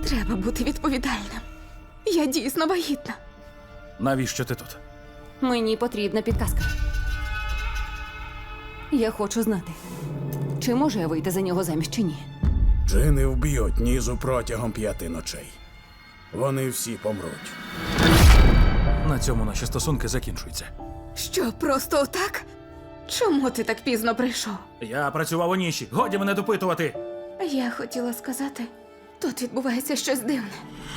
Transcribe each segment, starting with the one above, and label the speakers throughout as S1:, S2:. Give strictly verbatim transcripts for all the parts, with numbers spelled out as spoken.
S1: Треба бути відповідальним. Я дійсно вагітна.
S2: Навіщо ти тут?
S3: Мені потрібна підказка. Я хочу знати, чи можу я вийти за нього заміж чи ні.
S4: Джини вб'ють Нізу протягом п'яти ночей. Вони всі помруть.
S2: На цьому наші стосунки закінчуються.
S1: Що, просто отак? Чому ти так пізно прийшов?
S2: Я працював у ніші. Годі мене допитувати.
S1: Я хотіла сказати, тут відбувається щось дивне.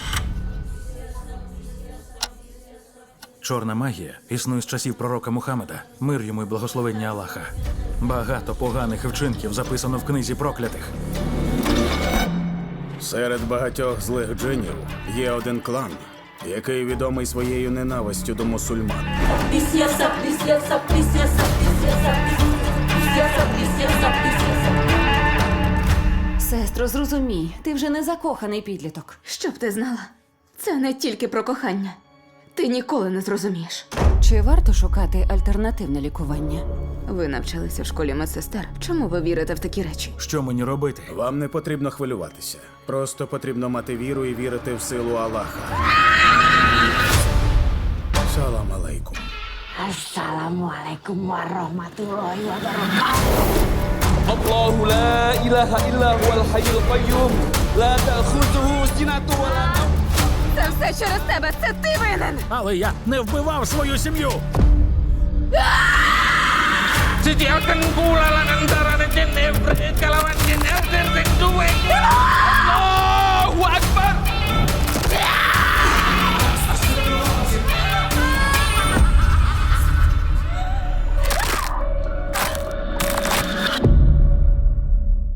S2: Чорна магія існує з часів пророка Мухаммеда. Мир йому й благословення Аллаха. Багато поганих вчинків записано в книзі проклятих.
S4: Серед багатьох злих джинів є один клан, який відомий своєю ненавистю до мусульман.
S5: Присєса, присєса, присєса, присєса, присєса, присєса, присєса.
S3: Сестро, зрозумій, ти вже не закоханий підліток.
S1: Щоб ти знала, це не тільки про кохання. Ти ніколи не зрозумієш.
S3: Чи варто шукати альтернативне лікування?
S1: Ви навчалися в школі медсестер. Чому ви вірите в такі речі?
S2: Що мені робити?
S4: Вам не потрібно хвилюватися. Просто потрібно мати віру і вірити в силу Аллаха. Салам алейкум.
S5: Assalamualaikum warahmatullahi wabarakatuh.
S6: الله لا إله إلا هو الحي القيوم لا تأخذه سنة ولا نوم.
S1: Це все через тебе! Це ти винен!
S2: Але я не вбивав свою сім'ю!
S6: Sediakan pula antara jin ibrit kalawan jin